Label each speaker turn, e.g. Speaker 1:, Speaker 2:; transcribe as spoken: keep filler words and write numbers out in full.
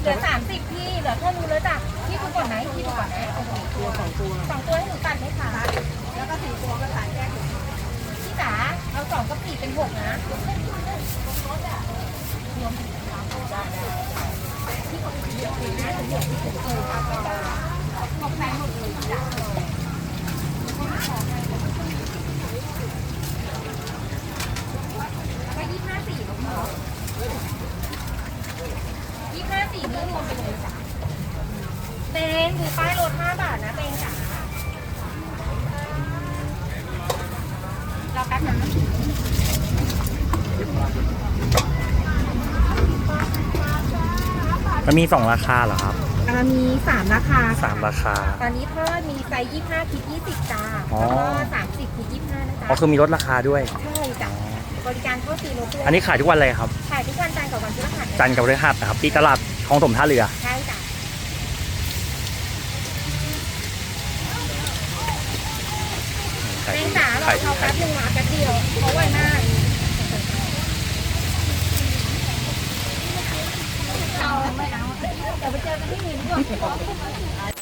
Speaker 1: เหลือสามสิบพี่เหลือแค่รู้แล้วจ้ะพี่ดูก่อนไหมพี่ดูก่อนนะตัวสองตัวสองตัวให้หนูตัดไหมคะแล้วก็สี่ตัวก็ตัดแยกพี่จ๋าเอาสองกับสี่เป็นหกนะพี่ขอเยอะเลยนะถึงหกที่เออหกแสนหมดเลยจ้ะแล้วก็ยี่ห้าสี่ลงมายี่ห้าสี่นี้รวมไปเลยจ้ะเตงดูป้ายลดห้าบาทนะเตงจ๋าเราแป๊บนึง
Speaker 2: มันมีสองราคาเหรอครับ
Speaker 1: อ่ามีสามราคา
Speaker 2: สามราคา
Speaker 1: ตอนนี้ทอดมีไซส์ยี่ห้าคิดยี่สิบจ้า
Speaker 2: อ๋อ
Speaker 1: แล้วก็สามสิบคิดยี่ห้านะจ๊ะ
Speaker 2: อ๋อคือมีลดราคาด้วย
Speaker 1: ใช่จ้ะบริการทอดฟรีรถด้วย
Speaker 2: อันนี้ขายทุกวันเลยครับ
Speaker 1: ขายทุกวันจันทร์กับวันพฤหัส
Speaker 2: จันทร์กับพฤหัสนะครับที่ตลาดคลองถมท่าเรือ
Speaker 1: ใช่จ้ะเตงจ๋าเราเขาแป๊บนึงมาแป๊บเดียวเขาไวมากเราไม่เอาเดี๋ยวไปเจอกันที่นี่ดีกว่า